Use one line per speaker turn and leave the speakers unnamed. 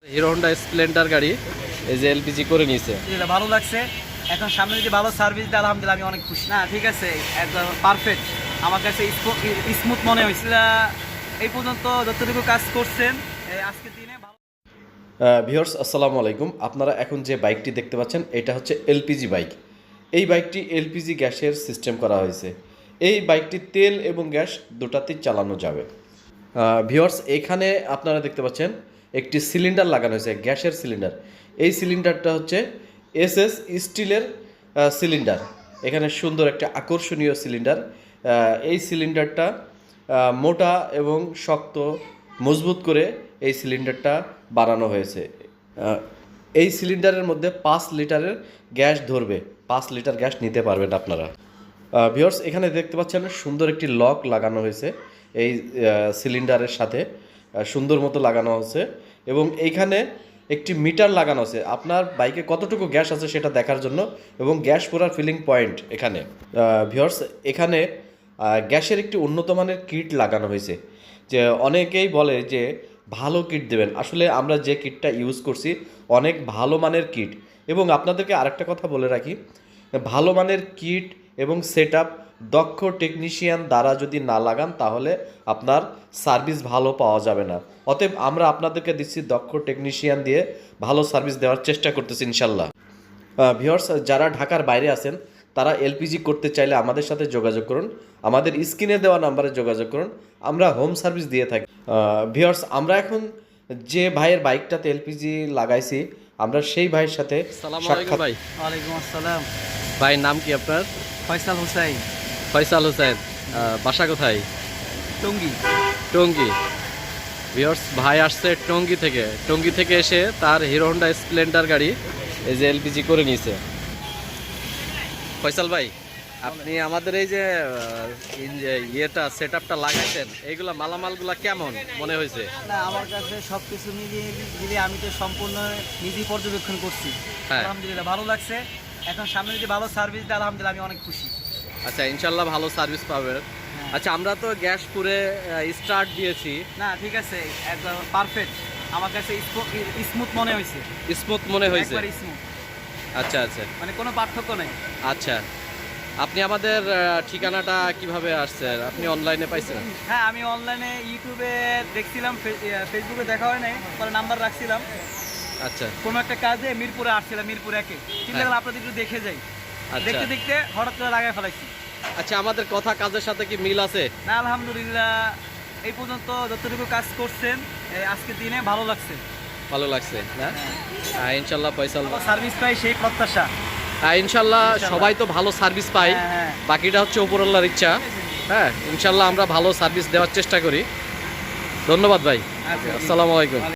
Hero Honda Splendor গাড়ি এই যে এলপিজি করে নিয়েছে,
ভালো লাগছে। এখন সামনে যদি ভালো সার্ভিস দেয় আলহামদুলিল্লাহ আমি অনেক খুশি। না ঠিক আছে, একদম পারফেক্ট। আমার কাছে স্মুথ মনে হয়েছিল। এই পর্যন্ত যতটুকু কাজ করছেন আজকের দিনে
ভিউয়ার্স আসসালামু আলাইকুম। আপনারা এখন যে বাইকটি দেখতে পাচ্ছেন এটা হচ্ছে এলপিজি বাইক। এই বাইকটি এলপিজি গ্যাসের সিস্টেম করা হয়েছে। এই বাইকটি তেল এবং গ্যাস দুটাতেই চালানো যাবে। ভিউয়ার্স এখানে আপনারা দেখতে পাচ্ছেন একটি সিলিন্ডার লাগানো হয়েছে, গ্যাসের সিলিন্ডার। এই সিলিন্ডারটা হচ্ছে এসএস স্টিলের সিলিন্ডার। এখানে সুন্দর একটা আকর্ষণীয় সিলিন্ডার। এই সিলিন্ডারটা মোটা এবং শক্ত মজবুত করে এই সিলিন্ডারটা বানানো হয়েছে। এই সিলিন্ডারের মধ্যে 5 লিটারের গ্যাস ধরবে, 5 লিটার গ্যাস নিতে পারবেন আপনারা। ভিউয়ার্স এখানে দেখতে পাচ্ছেন সুন্দর একটি লক লাগানো হয়েছে এই সিলিন্ডারের সাথে, সুন্দর মতো লাগানো হয়েছে এবং এইখানে একটি মিটার লাগানো আছে আপনার বাইকে কতটুকু গ্যাস আছে সেটা দেখার জন্য, এবং গ্যাস পুরার ফিলিং পয়েন্ট এখানে। ভিউয়ার্স এখানে গ্যাসের একটি উন্নত মানের কিট লাগানো হয়েছে। যে অনেকেই বলে যে ভালো কিট দেবেন, আসলে আমরা যে কিটটা ইউজ করছি অনেক ভালো মানের কিট। এবং আপনাদেরকে আরেকটা কথা বলে রাখি, ভালো মানের কিট এবং সেটআপ দক্ষ টেকনিশিয়ান দ্বারা যদি না লাগান তাহলে আপনার সার্ভিস ভালো পাওয়া যাবে না। অতএব আমরা আপনাদেরকে দিচ্ছি দক্ষ টেকনিশিয়ান দিয়ে ভালো সার্ভিস দেওয়ার চেষ্টা করতেছি ইনশাল্লাহ। ভিউয়ার্স যারা ঢাকার বাইরে আছেন তারা এলপিজি করতে চাইলে আমাদের সাথে যোগাযোগ করুন, আমাদের স্ক্রিনে দেওয়া নাম্বারে যোগাযোগ করুন, আমরা হোম সার্ভিস দিয়ে থাকি। ভিউয়ার্স আমরা এখন যে ভাইয়ের বাইকটাতে এলপিজি লাগাইছি আমরা সেই ভাইয়ের সাথে সাক্ষাৎ।
ভাই
ওয়ালাইকুম আসসালাম।
ভাই নাম কি আপনার?
ফয়সাল হোসাইন।
ফয়সাল হোসেন, বাসা কোথায়?
টঙ্গী।
টঙ্গী। ভিউয়ার্স ভাই আসছে টঙ্গী থেকে এসে তার হিরো হোন্ডা স্প্লেন্ডার গাড়ি এই যে এলপিজি করে নিয়েছে। ফয়সাল ভাই আপনি আমাদের এই যে ইয়েটা সেটআপটা লাগাইছেন, এইগুলা মালামালগুলা কেমন মনে হয়েছে?
না আমার কাছে সব কিছু মিলিয়ে আমি তো সম্পূর্ণ নিজেই পর্যবেক্ষণ করছি।
হ্যাঁ।
আলহামদুলিল্লাহ ভালো লাগছে। এখন সামনে যদি ভালো সার্ভিস দেয় আলহামদুলিল্লাহ আমি অনেক খুশি।
আচ্ছা ইনশাল্লাহ ভালো সার্ভিস পাবেন। আচ্ছা আমরা তো গ্যাস পুরে স্টার্ট দিয়েছি।
না ঠিক আছে, একদম পারফেক্ট। আমার কাছে স্মুথ মনে হয়েছে।
স্মুথ মনে হয়েছে?
একবারে স্মুথ।
আচ্ছা আচ্ছা,
মানে কোনো পার্থক্য নেই।
আচ্ছা আপনি আমাদের ঠিকানাটা কিভাবে আসছেন? আপনি অনলাইনে পাইছেন?
হ্যাঁ আমি অনলাইনে ইউটিউবে দেখছিলাম, ফেসবুকে দেখা হয় নাই, পরে নাম্বার রাখছিলাম।
আচ্ছা
কোনো একটা কাজে মিরপুরে আসছিলাম, মিরপুর 1-এ চিন্তা করলাম আপনাদের একটু দেখে যাই।
আচ্ছা।
দেখতে দেখতে হঠাৎ করে লাগাই ফেলাইছি।
আচ্ছা আমাদের কথা কাজের সাথে কি মিল আছে?
না আলহামদুলিল্লাহ এই পর্যন্ত যতটুকু কাজ করছেন আজকের দিনে ভালো লাগছে।
ভালো লাগছে না? ইনশাল্লাহ ফয়সাল
সার্ভিস পাই সেই প্রত্যাশা।
ইনশাল্লাহ সবাই তো ভালো সার্ভিস পাই,
হ্যাঁ।
বাকিটা হচ্ছে উপরওয়ালার ইচ্ছা। হ্যাঁ ইনশাল্লাহ আমরা ভালো সার্ভিস দেওয়ার চেষ্টা করি। ধন্যবাদ ভাই,
আচ্ছা,
আসসালামু আলাইকুম।